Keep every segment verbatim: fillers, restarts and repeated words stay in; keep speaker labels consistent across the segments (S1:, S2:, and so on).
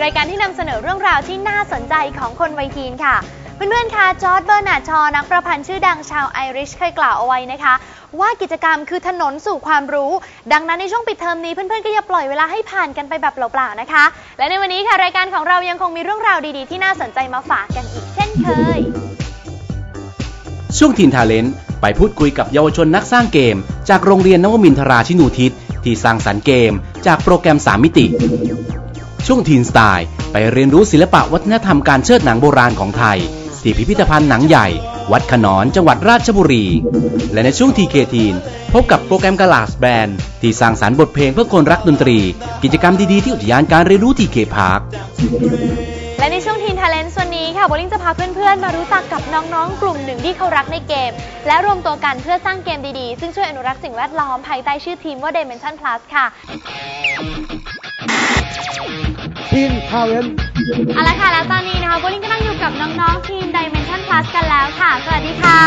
S1: รายการที่นำเสนอเรื่องราวที่น่าสนใจของคนวัยทีนค่ะเพื่อนๆคะจอร์จเบอร์นาร์ดชอนักประพันธ์ชื่อดังชาวไอริชเคยกล่าวเอาไว้นะคะว่ากิจกรรมคือถนนสู่ความรู้ดังนั้นในช่วงปิดเทอมนี้เพื่อนๆก็อย่าปล่อยเวลาให้ผ่านกันไปแบบเปล่าๆนะคะและในวันนี้ค่ะรายการของเรายังคงมีเรื่องราวดีๆที่น่าสนใจมาฝากกันอีกเช่นเคย
S2: ช่วงทีนทาเลนต์ไปพูดคุยกับเยาวชนนักสร้างเกมจากโรงเรียนนวมินทราชินูทิศที่สร้างสรรค์เกมจากโปรแกรมสามมิติช่วงทีนสไตล์ไปเรียนรู้ศิลปะวัฒนธรรมการเชิดหนังโบราณของไทยที่พิพิธภัณฑ์หนังใหญ่วัดขนอนจังหวัดราชบุรีและในช่วง ที เค ทีน พบกับโปรแกรมกาลาสแบนด์ที่สร้างสรรค์บทเพลงเพื่อคนรักดนตรีกิจกรรมดีๆที่อุทยานการเรียนรู้ ที เค พาร์ค
S1: และในช่วงทีนทาเลนต์วันนี้ค่ะโบลิ่งจะพาเพื่อนๆมารู้จักกับน้องๆกลุ่มหนึ่งที่เขารักในเกมและรวมตัวกันเพื่อสร้างเกมดีๆซึ่งช่วยอนุรักษ์สิ่งแวดล้อมภายใต้ชื่อทีมว่า Dimension Plus ค่ะ
S3: ทีนทาเลนต์
S1: เอาละค่ะแล้วตอนนี้นะคะโบลิ่งก็นั่งอยู่กับน้องๆทีม Dimension Plus กันแล้วค่ะสวัสดีค่ะ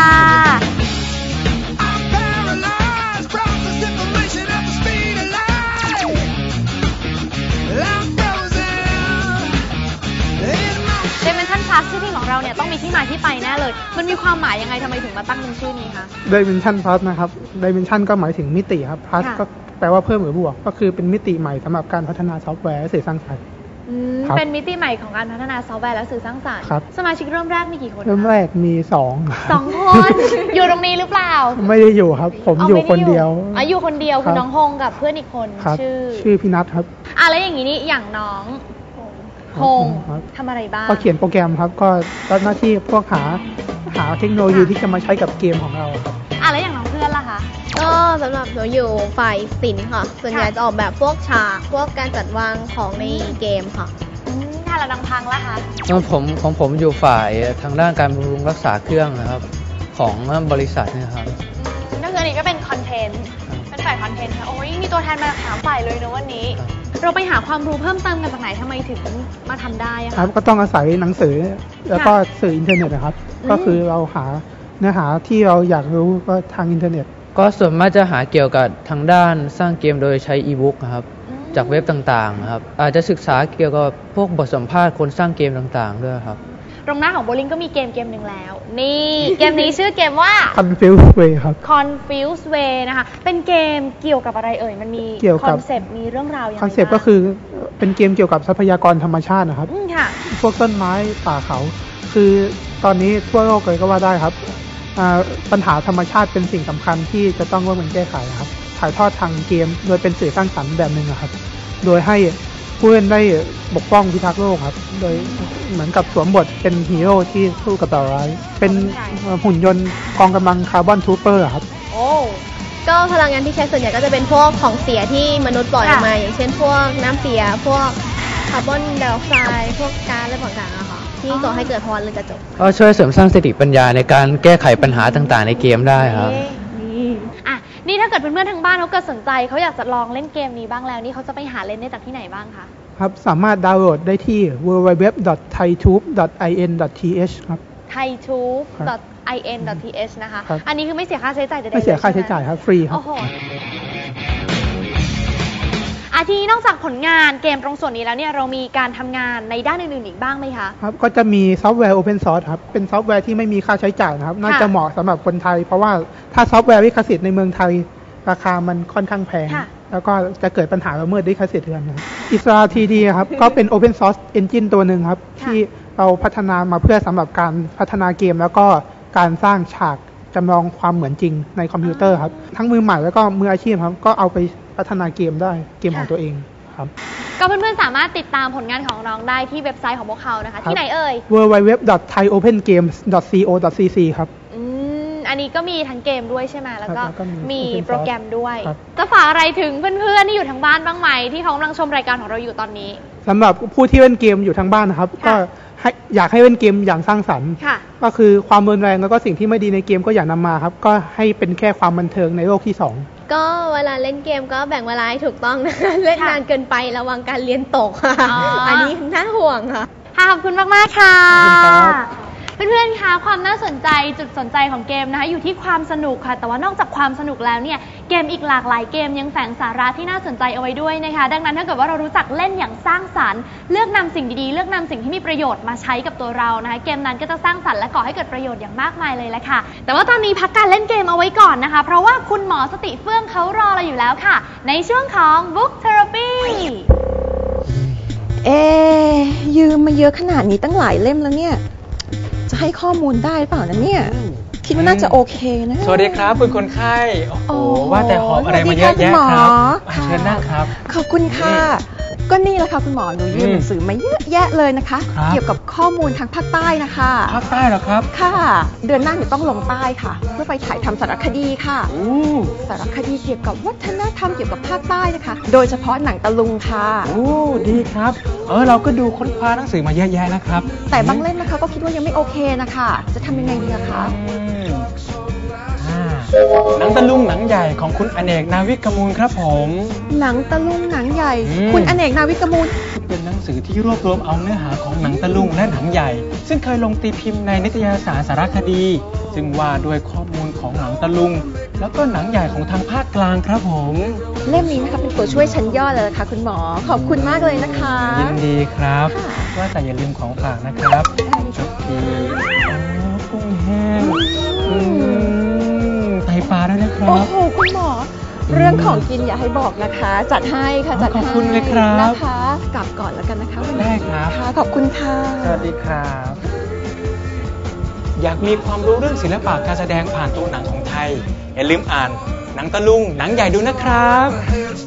S1: Dimension Plus ชื่อทีมของเราเนี่ยต้องมีที่มาที่ไปแน่เลยมันมีความหมายยังไงทำไมถึงมาตั้งเป็นชื่อนี้คะ
S3: Dimension Plus นะครับ Dimension ก็หมายถึงมิติครับ Plus ก็แปลว่าเพิ่มหรือบวกก็คือเป็นมิติใหม่สำหรับการพัฒนาซอฟต์แวร์และสื่อสร้างสรรค์
S1: เป็นมิติใหม่ของการพัฒนาซอฟต์แวร์และสื่อสร้างสรรค์สมาชิกเริ่มแรกมีกี่คน
S3: เริ่มแรกมีสอง
S1: สองคนอยู่ตรงนี้หรือเปล่า
S3: ไม่ได้อยู่ครับผมอยู่คนเดียว
S1: อ๋ออยู่คนเดียวคือน้องฮงกับเพื่อนอีกคนชื่อ
S3: ชื่อพี่นัทครับ
S1: อ่ะแล้วอย่างนี้นี่อย่างน้องฮงทำอะไรบ้าง
S3: ก็เขียนโปรแกรมครับก็รับหน้าที่พวกหาหาเทคโนโลยีที่จะมาใช้กับเกมของเราครับ
S1: อ่ะแล้วอย่างน้องเพื่อนล่ะคะ
S4: ก็สำหรับหนูอยู่ฝ่ายศิลป์ค่ะส่วนใหญ่จะออกแบบพวกฉากพวกการจัดวางของในเกมค่ะ
S1: ถ้าเราดังพังล่ะคะ
S5: ผมของผมอยู่ฝ่ายทางด้านการบำรุงรักษาเครื่องนะครับของบริษัทนะครับ
S1: ก็คืออันนี้ก็เป็นคอนเทนต์เป็นฝ่ายคอนเทนต์ค่ะโอ้ยมีตัวแทนมาถามฝ่ายเลยนะวันนี้เราไปหาความรู้เพิ่มเติมกันจากไหนทำไมถึงมาทำได้อะ
S3: ครับก็ต้องอาศัยหนังสือแล้วก็สื่ออินเทอร์เน็ตนะครับก็คือเราหาเนื้อหาที่เราอยากรู้ก็ทางอินเทอร์เน็ต
S5: ก็ส่วนมากจะหาเกี่ยวกับทางด้านสร้างเกมโดยใช้อีบุ๊กครับจากเว็บต่างๆครับอาจจะศึกษาเกี่ยวกับพวกบทสัมภาษณ์คนสร้างเกมต่างๆด้วยครับ
S1: ตรงหน้าของโบลิ่งก็มีเกมเกมหนึ่งแล้วนี่เกมนี้ชื่อเกมว่า
S3: Confuse Way ครับ
S1: Confuse Way นะคะเป็นเกมเกี่ยวกับอะไรเอ่ยมันมีคอนเซปต์มีเรื่องราวยังไง
S3: คอนเซปต์ก็คือเป็นเกมเกี่ยวกับทรัพยากรธรรมชาตินะครับพวกต้นไม้ป่าเขาคือตอนนี้ทั่วโลกเลยก็ว่าได้ครับปัญหาธรรมชาติเป็นสิ่งสำคัญที่จะต้องร่วมกันแก้ไขครับถ่ายทอดทางเกมโดยเป็นสื่อสร้างสรรค์แบบหนึ่งครับโดยให้ผู้เล่นได้ปกป้องพิทักษ์โลกครับโดยเหมือนกับสวมบทเป็นฮีโร่ที่สู้กับต่อร้ายเป็นหุ่นยนต์กองกำลังคาร์บอนทูเปอร์ครับ
S4: โอ้ก็พลังงานที่ใช้ส่วนใหญ่ก็จะเป็นพวกของเสียที่มนุษย์ปล่อยออกมาอย่างเช่นพวกน้ำเสียพวกคาร์บอนไดออกไซด์พวกก๊าซอะไรต่างๆอะค่ะที่ก่อให้เกิดภาวะเรือนกระจก
S5: ก็ช่วยเสริมสร้างสติปัญญาในการแก้ไขปัญหาต่างๆในเกมได้ครับ
S1: นี่อ่ะนี่ถ้าเกิดเพื่อนๆทางบ้านเขาเกิดสนใจเขาอยากจะลองเล่นเกมนี้บ้างแล้วนี่เขาจะไปหาเล่นได้จากที่ไหนบ้างคะ
S3: ครับสามารถดาวน์โหลดได้ที่ ดับเบิลยู ดับเบิลยู ดับเบิลยู ดอท ไททูบ ดอท ไอ เอ็น ดอท ที เอช ครับ
S1: ไททูบ ดอท ไอ เอ็น ดอท ที เอช นะคะอันนี้คือไม่เสียค่าใช้จ่ายใดๆ
S3: ไม่เสียค่าใช้จ่ายครับฟรีครับ
S1: โอ้โหอาทีนี้นอกจากผลงานเกมตรงส่วนนี้แล้วเนี่ยเรามีการทำงานในด้านอื่นๆอีกบ้างไหมคะ
S3: ครับก็จะมีซอฟต์แวร์ Open Source ครับเป็นซอฟต์แวร์ที่ไม่มีค่าใช้จ่ายนะครับน่าจะเหมาะสำหรับคนไทยเพราะว่าถ้าซอฟต์แวร์ลิขสิทธิ์ในเมืองไทยราคามันค่อนข้างแพงแล้วก็จะเกิดปัญหาละเมิดลิขสิทธิ์กันครับอิสรา ที ดี ครับก็เป็น Open Source Engine ตัวหนึ่งครับที่เราพัฒนามาเพื่อสำหรับการพัฒนาเกมแล้วก็การสร้างฉากจำลองความเหมือนจริงในคอมพิวเตอร์ครับทั้งมือใหม่แล้วก็มืออาชีพครับก็เอาไปพัฒนาเกมได้เกมของตัวเองครับ
S1: ก็เพื่อนๆสามารถติดตามผลงานของน้องได้ที่เว็บไซต์ของพวกเขานะคะที่ไหนเอ่ย
S3: ดับเบิลยู ดับเบิลยู ดับเบิลยู ดอท ไทยโอเพนเกมส์ ดอท ซี โอ ดอท ซี ซี ครับ
S1: อืมอันนี้ก็มีทั้งเกมด้วยใช่ไหมแล้วก็มีโปรแกรมด้วยจะฝากอะไรถึงเพื่อนๆที่อยู่ทางบ้านบ้างไหมที่เขากำลังชมรายการของเราอยู่ตอนนี้
S3: สำหรับผู้ที่เล่นเกมอยู่ทางบ้านนะครับก็อยากให้เล่นเกมอย่างสร้างสรรค์ก็คือความรุนแรงแล้วก็สิ่งที่ไม่ดีในเกมก็อย่านำมาครับก็ให้เป็นแค่ความบันเทิงในโลกที่สอง
S4: ก็เวลาเล่นเกมก็แบ่งเวลาให้ถูกต้องนะเล่นนานเกินไประวังการเรียนตกค่ะ อันนี้น่าห่วงค่ะ
S1: ขอบคุณมากๆค่ะเพื่อนๆคะความน่าสนใจจุดสนใจของเกมนะคะอยู่ที่ความสนุกค่ะแต่ว่านอกจากความสนุกแล้วเนี่ยเกมอีกหลากหลายเกมยังแฝงสาระที่น่าสนใจเอาไว้ด้วยนะคะดังนั้นถ้าเกิดว่าเรารู้จักเล่นอย่างสร้างสรรค์เลือกนำสิ่งดีๆเลือกนำสิ่งที่มีประโยชน์มาใช้กับตัวเรานะคะเกมนั้นก็จะสร้างสรรค์และก่อให้เกิดประโยชน์อย่างมากมายเลยแหละค่ะแต่ว่าตอนนี้พักการเล่นเกมเอาไว้ก่อนนะคะเพราะว่าคุณหมอสติเฟื่องเขารอเราอยู่แล้วค่ะในช่วงของ Book Therapy
S6: เอ๊ยืมมาเยอะขนาดนี้ตั้งหลายเล่มแล้วเนี่ยจะให้ข้อมูลได้หรือเปล่านะเนี่ยคิดว่าน่าจะโอเคนะ
S7: สวัสดีครับคุณคนไข้โอ้โหว่าแต่หอบอะไรมาเยอะแยะครับเชิญนั่งครับ
S6: ขอบคุณค่ะก็นี่แหละค่ะคุณหมอหนูยืมหนังสือมาเยอะแยะเลยนะคะเกี่ยวกับข้อมูลทางภาคใต้นะคะ
S7: ภาคใต้เหรอครับ
S6: ค่ะเดือนหน้าหนูต้องลงใต้ค่ะเพื่อไปถ่ายทำสารคดีค่ะสารคดีเกี่ยวกับวัฒนธรรมเกี่ยวกับภาคใต้นะคะโดยเฉพาะหนังตะลุงค่ะ
S7: โอ้ดีครับเออเราก็ดูค้นคว้าหนังสือมาเยอะแยะนะครับ
S6: แต่บางเล่มนะคะก็คิดว่ายังไม่โอเคนะคะจะทำยังไงดีคะ
S7: หนังตะลุงหนังใหญ่ของคุณอเนกนาวิกมูลครับผม
S6: หนังตะลุงหนังใหญ่คุณอเนกนาวิกมูล
S7: เป็นหนังสือที่รวบรวมเอาเนื้อหาของหนังตะลุงและหนังใหญ่ซึ่งเคยลงตีพิมพ์ในนิตยสารสารคดีซึ่งว่าด้วยข้อมูลของหนังตะลุงแล้วก็หนังใหญ่ของทางภาคกลางครับผม
S6: เล่มนี้นะคะเป็นตัวช่วยชั้นยอดเลยค่ะคุณหมอขอบคุณมากเลยนะคะ
S7: ยินดีครับว่าแต่อย่าลืมของฝากนะครับชุดทีกุ้งแห้งไตปลาด้วยนะครับ
S6: โอ้โหคุณหมอเรื่องของกินอย่าให้บอกนะคะจัดให้ค่ะจัดให้
S7: ขอบคุณเลยครับ
S6: นะคะกลับก่อนแล้วกันนะคะ
S7: ได้ครับ
S6: ค่ะขอบคุณค่ะ
S7: สวัสดีครับอยากมีความรู้เรื่องศิลปะการแสดงผ่านตัวหนังของไทยอย่าลืมอ่านหนังตะลุงหนังใหญ่ดูนะครับ